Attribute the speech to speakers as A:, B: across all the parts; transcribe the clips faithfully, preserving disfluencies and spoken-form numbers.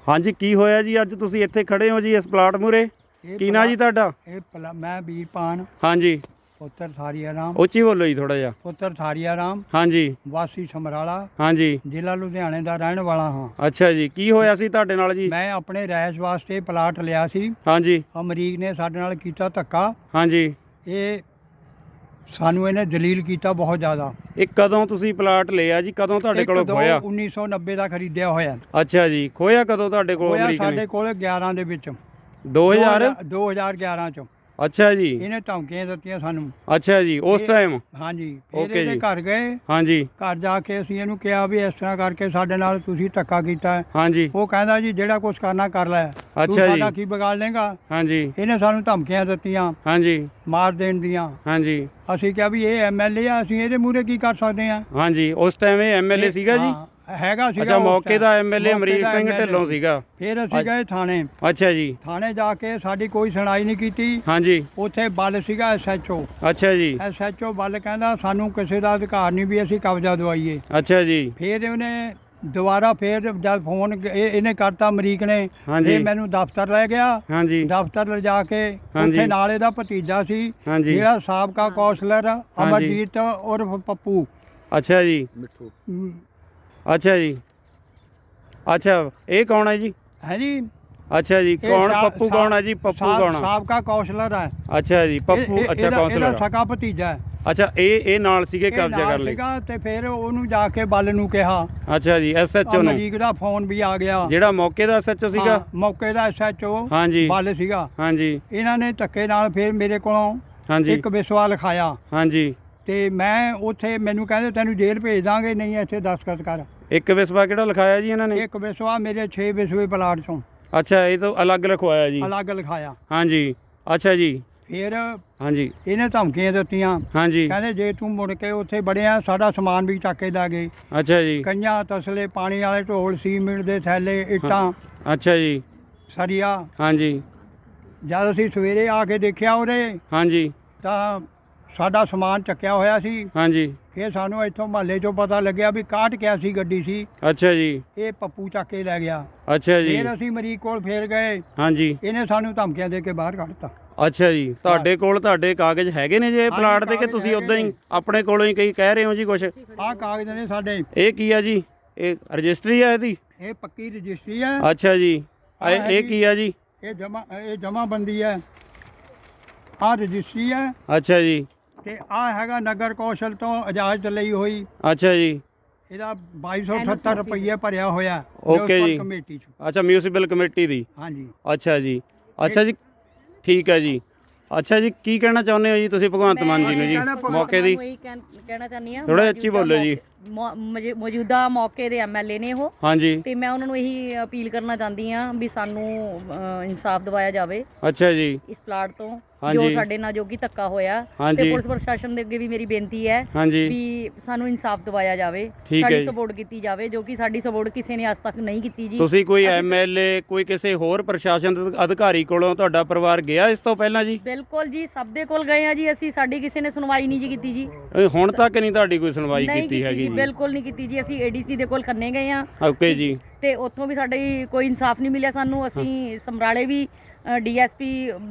A: ਹਾਂਜੀ ਕੀ ਹੋਇਆ ਜੀ ਅੱਜ ਤੁਸੀਂ ਇੱਥੇ ਖੜੇ ਹੋ ਜੀ ਇਸ ਪਲਾਟ ਮੂਰੇ? ਕੀ ਨਾਂ ਜੀ ਤੁਹਾਡਾ?
B: ਇਹ ਪਲਾ ਮੈਂ ਵੀਰਪਾਨ
A: ਹਾਂਜੀ
B: ਪੁੱਤਰ ਥਾਰੀਆ ਰਾਮ
A: ਉੱਚੀ ਬੋਲੋ ਜੀ ਥੋੜਾ ਜਿਹਾ।
B: ਪੁੱਤਰ ਥਾਰੀਆ ਰਾਮ
A: ਹਾਂਜੀ
B: ਵਾਸੀ ਸਮਰਾਲਾ
A: ਹਾਂਜੀ
B: ਜ਼ਿਲ੍ਹਾ ਲੁਧਿਆਣੇ ਦਾ ਰਹਿਣ ਵਾਲਾ ਹਾਂ।
A: ਅੱਛਾ ਜੀ ਕੀ ਹੋਇਆ ਸੀ ਤੁਹਾਡੇ ਨਾਲ ਜੀ?
B: ਮੈਂ ਆਪਣੇ ਰਿਹਾਇਸ਼ ਵਾਸਤੇ ਪਲਾਟ ਲਿਆ ਸੀ।
A: ਹਾਂਜੀ
B: ਅਮਰੀਕ ਨੇ ਸਾਡੇ ਨਾਲ ਕੀਤਾ ਧੱਕਾ।
A: ਹਾਂਜੀ
B: ਇਹ ਸਾਨੂੰ ਇਹਨੇ ਦਲੀਲ ਕੀਤਾ ਬਹੁਤ ਜ਼ਿਆਦਾ।
A: ਇਹ ਕਦੋਂ ਤੁਸੀਂ ਪਲਾਟ ਲਿਆ ਜੀ? ਕਦੋਂ ਤੁਹਾਡੇ ਕੋਲੋਂ ਖੋਇਆ?
B: ਉੱਨੀ ਸੌ ਨੱਬੇ ਦਾ ਖਰੀਦਿਆ ਹੋਇਆ।
A: ਅੱਛਾ ਜੀ ਖੋਇਆ ਕਦੋਂ ਤੁਹਾਡੇ ਕੋਲ
B: ਹੋਇਆ
A: ਅਮਰੀਕ ਨੇ?
B: ਸਾਡੇ ਕੋਲ ਗਿਆਰਾਂ ਦੇ ਵਿੱਚ
A: ਦੋ ਹਜ਼ਾਰ
B: ਦੋ ਹਜ਼ਾਰ ਗਿਆਰਾਂ ਚ।
A: ਅੱਛਾ ਜੀ
B: ਇਹਨੇ ਧਮਕੀਆਂ ਦਿੱਤੀਆਂ ਸਾਨੂੰ।
A: ਅੱਛਾ ਜੀ ਉਸ
B: ਇਹ-
A: ਟਾਈਮ?
B: ਹਾਂਜੀ ਫਿਰ
A: ਓਕੇ
B: ਇਹਦੇ
A: ਜੀ।
B: ਘਰ ਗਏ।
A: ਹਾਂਜੀ
B: ਘਰ ਜਾ ਕੇ ਅਸੀਂ ਇਹਨੂੰ ਕਿਹਾ ਵੀ ਇਸ ਤਰ੍ਹਾਂ ਕਰਕੇ ਸਾਡੇ ਨਾਲ ਤੁਸੀਂ ਧੱਕਾ ਕੀਤਾ ਹੈ।
A: ਹਾਂਜੀ
B: ਉਹ ਕਹਿੰਦਾ ਜੀ ਜਿਹੜਾ ਕੁਝ ਕਰਨਾ ਕਰ ਲੈ, ਤੂੰ
A: ਅੱਛਾ ਜੀ।
B: ਸਾਡਾ ਕੀ ਵਿਗਾੜ ਲੇਗਾ।
A: ਹਾਂਜੀ
B: ਇਹਨੇ ਸਾਨੂੰ ਧਮਕੀਆਂ ਦਿੱਤੀਆਂ
A: ਹਾਂਜੀ
B: ਮਾਰ ਦੇਣ ਦੀਆਂ।
A: ਹਾਂਜੀ
B: ਅਸੀਂ ਕਿਹਾ ਵੀ ਇਹ ਐਮਐਲਏ ਆ, ਅਸੀਂ ਇਹਦੇ ਮੂਹਰੇ ਕੀ ਕਰ ਸਕਦੇ ਆ।
A: ਹਾਂਜੀ ਉਸ ਟਾਈਮ ਇਹ ਐਮਐਲਏ ਸੀਗਾ ਜੀ?
B: ਹਾਂ, ਹੈਗਾ ਸੀਗਾ
A: ਅੱਛਾ
B: ਉਸ
A: ਮੌਕੇ
B: time।
A: ਦਾ ਐਮਐਲਏ
B: ਮੌਕੇ
A: ਅਮਰੀਕ
B: ਦਾ
A: Singh
B: M L A
A: Dhillon ਸੀਗਾ?
B: ਫਿਰ ਅਸੀਂ ਗਏ ਥਾਣੇ।
A: ਅੱਛਾ ਜੀ
B: ਥਾਣੇ ਜਾ ਕੇ ਸਾਡੀ ਕੋਈ ਸੁਣਾਈ ਨਹੀਂ ਕੀਤੀ।
A: ਹਾਂਜੀ
B: ਉੱਥੇ ਬਲ ਸੀਗਾ ਐਸਐਚਓ।
A: ਅੱਛਾ ਜੀ
B: ਐਸਐਚਓ ਬਲ ਕਹਿੰਦਾ ਸਾਨੂੰ ਕਿਸੇ ਦਾ ਅਧਿਕਾਰ ਨਹੀਂ ਵੀ ਅਸੀਂ ਕਬਜ਼ਾ ਦਵਾਈਏ।
A: ਅੱਛਾ ਜੀ
B: ਫਿਰ ਉਹਨੇ ਦੁਬਾਰਾ ਫਿਰ ਜਦ ਫੋਨ ਇਹ- ਇਹਨੇ ਕਰਤਾ ਅਮਰੀਕ ਨੇ,
A: ਹਾਂਜੀ।
B: ਇਹ ਮੈਨੂੰ ਦਫ਼ਤਰ ਲੈ ਗਿਆ।
A: ਹਾਂਜੀ
B: ਦਫ਼ਤਰ ਲਿਜਾ ਕੇ
A: ਹਾਂਜੀ।
B: ਉੱਥੇ ਨਾਲ ਇਹਦਾ ਭਤੀਜਾ ਸੀ
A: ਹਾਂਜੀ
B: ਜਿਹੜਾ ਸਾਬਕਾ ਕੌਂਸਲਰ ਅਮਰਜੀਤ ਉਰਫ ਪੱਪੂ।
A: ਅੱਛਾ ਜੀ
B: ਮ,
A: ਅੱਛਾ ਜੀ ਅੱਛਾ ਇਹ ਕੌਣ ਹੈ ਜੀ?
B: ਹੈ ਜੀ
A: ਅੱਛਾ ਜੀ
B: ਇਹ
A: ਕੌਣ
B: ਸਾ-
A: ਪੱਪੂ
B: ਸਾ-
A: ਕੌਣ ਹੈ ਜੀ? ਪੱਪੂ
B: ਸਾ-
A: ਕੌਣ ਆ?
B: ਸਾਬਕਾ ਕੌਂਸਲਰ ਹੈ।
A: ਅੱਛਾ ਜੀ
B: ਇਹ-
A: ਪੱਪੂ
B: ਇਹ-
A: ਅੱਛਾ
B: ਇਹਦਾ-
A: ਕਾਉਂਸਲਰ
B: ਇਹਦਾ ਸਕਾ ਭਤੀਜਾ ਹੈ।
A: ਅੱਛਾ ਇਹ ਇਹ ਨਾਲ ਸੀਗੇ
B: ਇਹ
A: ਕਬਜ਼ਾ
B: ਨਾਲ
A: ਕਰ ਲਈ?
B: ਸੀਗਾ ਤੇ ਫਿਰ ਉਹਨੂੰ ਜਾ ਕੇ ਬਲ ਨੂੰ ਕਿਹਾ।
A: ਅੱਛਾ ਜੀ ਐਸਐਚਓ ਨੂੰ?
B: ਅਮਰੀਕ ਦਾ ਫੋਨ ਵੀ ਆ ਗਿਆ।
A: ਜਿਹੜਾ ਮੌਕੇ ਦਾ ਐਸਐਚਓ ਸੀਗਾ?
B: ਹਾਂ, ਮੌਕੇ ਦਾ ਐਸਐਚਓ
A: ਹਾਂਜੀ
B: ਬਲ ਸੀਗਾ।
A: ਹਾਂਜੀ
B: ਇਹਨਾਂ ਨੇ ਧੱਕੇ ਨਾਲ ਫਿਰ ਮੇਰੇ ਕੋਲੋਂ
A: ਹਾਂਜੀ
B: ਇੱਕ ਵਿਸਵਾ ਲਿਖਾਇਆ
A: ਹਾਂਜੀ
B: ਤੇ ਮੈਂ ਉੱਥੇ ਮੈਨੂੰ ਕਹਿੰਦੇ ਤੈਨੂੰ ਜੇਲ੍ਹ ਭੇਜ ਦਾਂਗੇ, ਨਹੀਂ ਇੱਥੇ ਦਸਤਖਤ ਕਰ।
A: ਇੱਕ ਵਿਸਵਾ ਕਿਹੜਾ ਲਿਖਾਇਆ ਜੀ ਇਹਨਾਂ ਨੇ?
B: ਇੱਕ ਵਿਸਵਾ ਮੇਰੇ ਛੇ ਵਿਸਵੇ ਪਲਾਟ ਚੋਂ
A: ਅੱਛਾ ਇਹ ਤਾਂ ਅਲੱਗ ਲਿਖਵਾਇਆ ਜੀ?
B: ਅਲੱਗ ਲਿਖਾਇਆ।
A: ਹਾਂਜੀ ਅੱਛਾ ਜੀ
B: ਫਿਰ
A: ਹਾਂਜੀ
B: ਇਹਨੇ ਧਮਕੀਆਂ ਦਿੱਤੀਆਂ।
A: ਹਾਂਜੀ
B: ਕਹਿੰਦੇ ਜੇ ਤੂੰ ਮੁੜ ਕੇ ਉੱਥੇ ਵੜਿਆ ਸਾਡਾ ਸਮਾਨ ਵੀ ਚੱਕ ਕੇ ਲੈ ਗਏ।
A: ਅੱਛਾ ਜੀ
B: ਕਈਆਂ ਤਸਲੇ, ਪਾਣੀ ਵਾਲੇ ਢੋਲ, ਸੀਮਿੰਟ ਦੇ ਥੈਲੇ, ਇੱਟਾਂ,
A: ਅੱਛਾ ਜੀ
B: ਸਰੀਆ।
A: ਹਾਂਜੀ
B: ਜਦ ਅਸੀਂ ਸਵੇਰੇ ਆ ਕੇ ਦੇਖਿਆ ਉਹਦੇ
A: ਹਾਂਜੀ
B: ਤਾਂ ਸਾਡਾ ਸਮਾਨ ਚੱਕਿਆ ਹੋਇਆ ਸੀ।
A: ਹਾਂਜੀ
B: ਫਿਰ ਸਾਨੂੰ ਇੱਥੋਂ ਮਹੱਲੇ 'ਚੋਂ ਪਤਾ ਲੱਗਿਆ ਵੀ ਕਾਹਠ ਕਿਆਸੀ ਗੱਡੀ ਸੀ,
A: ਅੱਛਾ ਜੀ
B: ਇਹ ਪੱਪੂ ਚੱਕ ਕੇ ਲੈ ਗਿਆ।
A: ਅੱਛਾ ਜੀ
B: ਫਿਰ ਅਸੀਂ ਮਰੀਕ ਕੋਲ ਫੇਰ ਗਏ,
A: ਹਾਂਜੀ
B: ਇਹਨੇ ਸਾਨੂੰ ਧਮਕੀਆਂ ਦੇ ਕੇ ਬਾਹਰ ਕੱਢਤਾ।
A: ਅੱਛਾ ਜੀ ਤੁਹਾਡੇ ਕੋਲ ਤੁਹਾਡੇ ਕਾਗਜ਼ ਹੈਗੇ ਨੇ ਜੇ
B: ਹਾਂਜੀ,
A: ਪਲਾਟ ਦੇ ਕਿ
B: ਕਾਗਜ਼
A: ਤੁਸੀਂ ਉਦਾਂ ਹੀ
B: ਹੈਗੇ
A: ਆਪਣੇ ਕੋਲੋਂ ਹੀ ਕਈ ਕਹਿ ਰਹੇ ਹੋ ਜੀ ਕੁਛ?
B: ਆਹ ਕਾਗਜ਼ ਨੇ ਸਾਡੇ।
A: ਇਹ ਕੀ ਆ ਜੀ? ਇਹ ਰਜਿਸਟਰੀ ਆ ਇਹਦੀ?
B: ਇਹ ਪੱਕੀ ਰਜਿਸਟਰੀ ਹੈ।
A: ਅੱਛਾ ਜੀ
B: ਆਹ
A: ਇਹ
B: ਹੈ
A: ਇਹ
B: ਜੀ।
A: ਕੀ ਆ ਜੀ?
B: ਇਹ ਜਮਾ ਇਹ ਜਮਾਬੰਦੀ ਹੈ। ਆਹ ਰਜਿਸਟਰੀ ਹੈ
A: ਅੱਛਾ ਜੀ
B: ਤੇ ਆਹ ਹੈਗਾ ਨਗਰ ਕੌਂਸਲ ਤੋਂ ਇਜਾਜ਼ਤ ਲਈ ਹੋਈ।
A: ਅੱਛਾ ਜੀ
B: ਇਹਦਾ ਬਾਈ ਸੌ ਅਠੱਤਰ ਰੁਪਏ ਭਰਿਆ ਹੋਇਆ
A: ਓਕੇ ਜੀ।
B: ਕਮੇਟੀ 'ਚ।
A: ਅੱਛਾ ਮਿਊਨਿਸਪਲ ਕਮੇਟੀ ਦੀ?
B: ਹਾਂਜੀ
A: ਅੱਛਾ ਜੀ ਅੱਛਾ ਜੀ ਠੀਕ ਹੈ ਜੀ। ਅੱਛਾ ਜੀ ਕੀ ਕਹਿਣਾ ਚਾਹੁੰਦੇ ਹੋ ਜੀ ਤੁਸੀਂ ਭਗਵੰਤ ਮਾਨ ਜੀ ਨੂੰ ਜੀ ਮੌਕੇ ਦੀ?
C: ਇਹੀ ਕਹਿਣ- ਕਹਿਣਾ ਚਾਹੁੰਦੀ ਹਾਂ।
A: ਥੋੜ੍ਹਾ ਉੱਚੀ ਬੋਲੋ ਜੀ।
C: ਮੌ- ਮੌਜੂ- ਮੌਜੂਦਾ ਮੌਕੇ ਦੇ ਐਮਐਲਏ ਨੇ ਉਹ,
A: ਹਾਂਜੀ
C: ਤੇ ਮੈਂ ਉਹਨਾਂ ਨੂੰ ਇਹੀ ਅਪੀਲ ਕਰਨਾ ਚਾਹੁੰਦੀ ਹਾਂ ਵੀ ਸਾਨੂੰ ਅ, ਇਨਸਾਫ ਦਿਵਾਇਆ ਜਾਵੇ
A: ਅੱਛਾ ਜੀ
C: ਇਸ ਪਲਾਟ ਤੋਂ ਜੋ
A: ਹਾਂਜੀ।
C: ਸਾਡੇ ਨਾਲ ਜੋ ਕਿ ਧੱਕਾ ਹੋਇਆ।
A: ਹਾਂਜੀ।
C: ਤੇ ਪੁਲਿਸ ਪ੍ਰਸ਼ਾਸਨ ਦੇ ਅੱਗੇ ਵੀ ਮੇਰੀ ਬੇਨਤੀ ਹੈ
A: ਹਾਂਜੀ
C: ਵੀ ਸਾਨੂੰ ਇਨਸਾਫ ਦਿਵਾਇਆ ਜਾਵੇ,
A: ਠੀਕ ਹੈ
C: ਸਾਡੀ
A: ਜੀ।
C: ਸਪੋਰਟ ਕੀਤੀ ਜਾਵੇ, ਜੋ ਕਿ ਸਾਡੀ ਸਪੋਰਟ ਕਿਸੇ ਨੇ ਅੱਜ ਤੱਕ ਨਹੀਂ ਕੀਤੀ ਜੀ।
A: ਤੁਸੀਂ ਕੋਈ
C: ਅਸੀਂ-
A: ਐਮਐਲਏ ਕੋਈ ਕਿਸੇ ਹੋਰ ਪ੍ਰਸ਼ਾਸਨ ਦੇ ਅਧਿਕਾਰੀ ਕੋਲੋਂ ਤੁਹਾਡਾ ਪਰਿਵਾਰ ਗਿਆ ਇਸ ਤੋਂ ਪਹਿਲਾਂ ਜੀ?
C: ਬਿਲਕੁਲ ਜੀ ਸਭ ਦੇ ਕੋਲ ਗਏ ਆ ਜੀ ਅਸੀਂ, ਸਾਡੀ ਕਿਸੇ ਨੇ ਸੁਣਵਾਈ ਨਹੀਂ ਜੀ ਕੀਤੀ ਜੀ।
A: ਇਹ ਹੁਣ ਤੱਕ ਨਹੀਂ ਤੁਹਾਡੀ ਕੋਈ ਸੁਣਵਾਈ
C: ਨਹੀਂ
A: ਕੀਤੀ ਹੈਗੀ
C: ਜੀ,
A: ਜੀ?
C: ਬਿਲਕੁਲ ਨਹੀਂ ਕੀਤੀ ਜੀ। ਅਸੀਂ ਏਡੀਸੀ ਦੇ ਕੋਲ ਖੰਨੇ ਗਏ ਆ
A: ਓਕੇ ਜੀ
C: ਤੇ ਉੱਥੋਂ ਵੀ ਸਾਡੀ ਕੋਈ ਇਨਸਾਫ ਨਹੀਂ ਮਿਲਿਆ ਸਾਨੂੰ। ਅਸੀਂ ਸਮਰਾਲੇ ਵੀ ਡੀਐਸਪੀ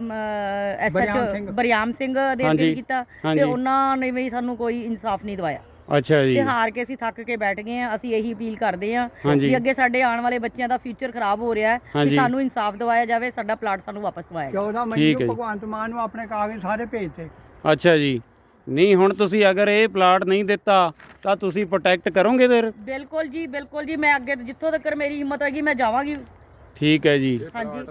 B: ਬਰਿਆਮ
C: ਐਸਐਚ
B: ਸਿੰਘ।
C: ਬਰਿਆਮ ਸਿੰਘ ਦੇ ਅੱਗੇ
A: ਹਾਂਜੀ,
C: ਵੀ ਕੀਤਾ
A: ਹਾਂਜੀ।
C: ਤੇ ਉਹਨਾਂ ਨੇ ਵੀ ਸਾਨੂੰ ਕੋਈ ਇਨਸਾਫ ਨਹੀਂ ਦਵਾਇਆ
A: ਅੱਛਾ ਜੀ
C: ਤੇ ਹਾਰ ਕੇ ਅਸੀਂ ਥੱਕ ਕੇ ਬੈਠ ਗਏ ਆ। ਅਸੀਂ ਇਹੀ ਅਪੀਲ ਕਰਦੇ ਆ
A: ਹਾਂਜੀ।
C: ਵੀ ਅੱਗੇ ਸਾਡੇ ਆਉਣ ਵਾਲੇ ਬੱਚਿਆਂ ਦਾ ਫਿਊਚਰ ਖਰਾਬ ਹੋ ਰਿਹਾ ਹੈ,
A: ਹਾਂਜੀ।
C: ਵੀ ਸਾਨੂੰ ਇਨਸਾਫ ਦਵਾਇਆ ਜਾਵੇ, ਸਾਡਾ ਪਲਾਟ ਸਾਨੂੰ ਵਾਪਸ ਦਵਾਇਆ ਜਾਵੇ।
B: ਚੌਦਾਂ ਮਈ
A: ਠੀਕ ਹੈ
B: ਨੂੰ
A: ਜੀ।
B: ਭਗਵੰਤ ਮਾਨ ਨੂੰ ਆਪਣੇ ਕਾਗਜ਼ ਸਾਰੇ ਭੇਜਤੇ।
A: ਅੱਛਾ ਜੀ ਨਹੀਂ ਹੁਣ ਤੁਸੀਂ ਅਗਰ ਇਹ ਪਲਾਟ ਨਹੀਂ ਦਿੱਤਾ ਤਾਂ ਤੁਸੀਂ ਪ੍ਰੋਟੈਕਟ ਕਰੋਗੇ ਫਿਰ?
C: ਬਿਲਕੁਲ ਜੀ ਬਿਲਕੁਲ ਜੀ, ਮੈਂ ਅੱਗੇ ਜਿੱਥੋਂ ਤੱਕ ਮੇਰੀ ਹਿੰਮਤ ਹੋਏਗੀ ਮੈਂ ਜਾਵਾਂਗੀ।
A: ਠੀਕ ਹੈ ਜੀ
C: ਹਾਂਜੀ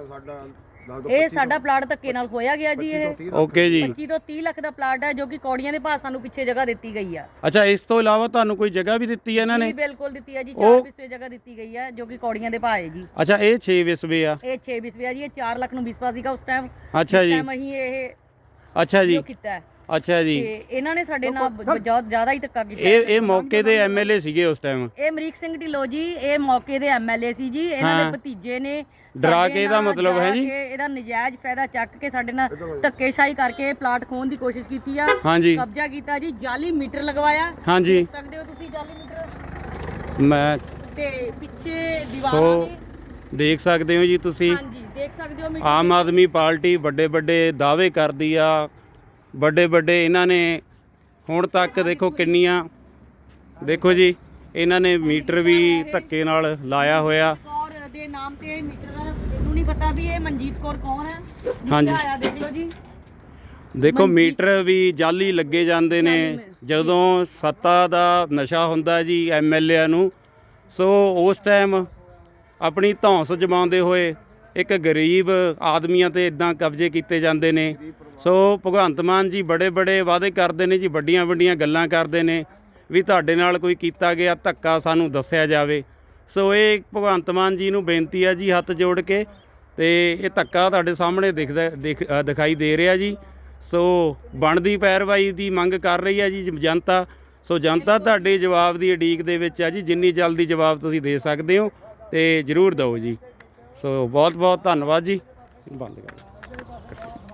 C: ਇਹ ਸਾਡਾ ਪਲਾਟ ਧੱਕੇ ਨਾਲ ਖੋਇਆ ਗਿਆ ਜੀ। ਇਹ
A: ਓਕੇ ਜੀ
C: ਪੱਚੀ ਤੋਂ ਤੀਹ ਲੱਖ ਦਾ ਪਲਾਟ ਹੈ ਜੋ ਕਿ ਕੌੜੀਆਂ ਦੇ ਭਾਅ ਸਾਨੂੰ ਪਿੱਛੇ ਜਗ੍ਹਾ ਦਿੱਤੀ ਗਈ ਆ
A: ਅੱਛਾ ਇਸ ਤੋਂ ਇਲਾਵਾ ਤੁਹਾਨੂੰ ਕੋਈ ਜਗ੍ਹਾ ਵੀ ਦਿੱਤੀ ਹੈ ਇਹਨਾਂ
C: ਜੀ।
A: ਨੇ?
C: ਬਿਲਕੁਲ ਦਿੱਤੀ ਹੈ ਜੀ,
A: ਉਹ-
C: ਚਾਰ ਵਿਸਵੇ ਜਗ੍ਹਾ ਦਿੱਤੀ ਗਈ ਹੈ ਜੋ ਕਿ ਕੌੜੀਆਂ ਦੇ ਭਾਅ ਹੈ ਜੀ।
A: ਅੱਛਾ ਇਹ ਛੇ ਵਿਸਵੇ ਆ?
C: ਇਹ ਛੇ ਵਿਸਵੇ ਆ ਜੀ। ਇਹ ਚਾਰ ਲੱਖ ਨੂੰ ਵਿਸਵਾ ਸੀਗਾ ਉਸ ਟਾਈਮ।
A: ਅੱਛਾ ਜੀ
C: ਟਾਈਮ ਅਸੀਂ ਇਹ
A: ਅੱਛਾ ਜੀ
C: ਜੋ ਕੀਤਾ ਹੈ
A: ਅੱਛਾ ਜੀ
C: ਤੇ ਇਹਨਾਂ ਨੇ ਸਾਡੇ ਨਾਲ ਬਹੁਤ ਜ਼ਿਆਦਾ ਹੀ ਧੱਕਾ ਕੀਤਾ
A: ਇਹ ਇਹ ਮੌਕੇ ਦੇ ਐਮਐਲਏ ਸੀਗੇ ਉਸ ਟਾਈਮ?
C: ਇਹ ਅਮਰੀਕ ਸਿੰਘ ਢਿੱਲੋਂ ਜੀ ਇਹ ਮੌਕੇ ਦੇ ਐਮਐਲਏ ਸੀ ਜੀ। ਇਹਨਾਂ
A: ਹਾਂ।
C: ਦੇ ਭਤੀਜੇ ਨੇ
A: ਡਰਾ
C: ਸਾਡੇ
A: ਕੇ ਇਹਦਾ
C: ਨਾਲ
A: ਮਤਲਬ ਹੈ
C: ਜਾ
A: ਜੀ?
C: ਕੇ ਇਹਦਾ ਨਜਾਇਜ਼ ਫਾਇਦਾ ਚੱਕ ਕੇ ਸਾਡੇ ਨਾਲ ਧੱਕੇਸ਼ਾਹੀ ਕਰਕੇ ਪਲਾਟ ਖੋਹਣ ਦੀ ਕੋਸ਼ਿਸ਼ ਕੀਤੀ ਆ।
A: ਹਾਂਜੀ
C: ਕਬਜ਼ਾ ਕੀਤਾ ਜੀ, ਜਾਲੀ ਮੀਟਰ ਲਗਵਾਇਆ।
A: ਹਾਂਜੀ
C: ਦੇਖ ਸਕਦੇ ਹੋ ਤੁਸੀਂ ਜਾਲੀ ਮੀਟਰ
A: ਮੈਂ
C: ਤੇ ਪਿੱਛੇ ਦੀਵਾਰਾਂ
A: ਸੋ
C: ਨੇ
A: ਦੇਖ ਸਕਦੇ ਹੋ ਜੀ ਤੁਸੀਂ।
C: ਹਾਂਜੀ ਦੇਖ ਸਕਦੇ ਹੋ ਮੀਟਰ
A: ਆਮ ਆਦਮੀ ਪਾਰਟੀ ਵੱਡੇ ਵੱਡੇ ਦਾਅਵੇ ਕਰਦੀ ਆ, ਵੱਡੇ ਵੱਡੇ ਇਹਨਾਂ ਨੇ ਹੁਣ ਤੱਕ ਦੇਖੋ ਕਿੰਨੀਆਂ, ਦੇਖੋ ਜੀ ਇਹਨਾਂ ਨੇ ਮੀਟਰ ਵੀ ਧੱਕੇ ਨਾਲ ਲਾਇਆ ਹੋਇਆ।
C: ਕੌਰ ਦੇ ਨਾਮ ਤੇ ਇਹ ਮੀਟਰ ਆ, ਇਹਨੂੰ ਨਹੀਂ ਪਤਾ ਵੀ ਇਹ ਮਨਜੀਤ ਕੌਰ ਕੌਣ ਹੈ।
A: ਹਾਂਜੀ।
C: ਆਇਆ ਦੇਖ ਲਓ ਜੀ,
A: ਦੇਖੋ ਮੀਟਰ ਵੀ ਜਾਲੀ ਲੱਗੇ ਜਾਂਦੇ ਨੇ ਜਦੋਂ ਸੱਤਾ ਦਾ ਨਸ਼ਾ ਹੁੰਦਾ ਜੀ ਐਮ ਐਲ ਏ ਨੂੰ। ਸੋ ਉਸ ਟਾਈਮ ਆਪਣੀ ਧੌਂਸ ਜਮਾਉਂਦੇ ਹੋਏ ਇੱਕ ਗਰੀਬ ਆਦਮੀਆਂ ਤੇ ਇਦਾਂ ਕਬਜ਼ੇ ਕੀਤੇ ਜਾਂਦੇ ਨੇ। ਸੋ ਭਗਵੰਤ ਮਾਨ ਜੀ ਬੜੇ ਬੜੇ ਵਾਅਦੇ ਕਰਦੇ ਨੇ ਜੀ, ਵੱਡੀਆਂ ਵੱਡੀਆਂ ਗੱਲਾਂ ਕਰਦੇ ਨੇ ਵੀ ਤੁਹਾਡੇ ਨਾਲ ਕੋਈ ਕੀਤਾ ਗਿਆ ਧੱਕਾ ਸਾਨੂੰ ਦੱਸਿਆ ਜਾਵੇ। ਸੋ ਇਹ ਭਗਵੰਤ ਮਾਨ ਜੀ ਨੂੰ ਬੇਨਤੀ ਹੈ ਜੀ ਹੱਥ ਜੋੜ ਕੇ, ਤੇ ਇਹ ਧੱਕਾ ਤੁਹਾਡੇ ਸਾਹਮਣੇ ਦਿਖਦਾ ਦਿਖ ਅ, ਦਿਖਾਈ ਦੇ ਰਿਹਾ ਜੀ। ਸੋ ਬਣਦੀ ਪੈਰਵਾਈ ਦੀ ਮੰਗ ਕਰ ਰਹੀ ਹੈ ਜੀ ਜਨਤਾ। ਸੋ ਜਨਤਾ ਤੁਹਾਡੇ ਜਵਾਬ ਦੀ ਉਡੀਕ ਦੇ ਵਿੱਚ ਆ ਜੀ, ਜਿੰਨੀ ਜਲਦੀ ਜਵਾਬ ਤੁਸੀਂ ਦੇ ਸਕਦੇ ਹੋ ਤੇ ਜ਼ਰੂਰ ਦਿਓ ਜੀ। ਸੋ ਬਹੁਤ ਬਹੁਤ ਧੰਨਵਾਦ ਜੀ। ਬੰਦ ਕਰ।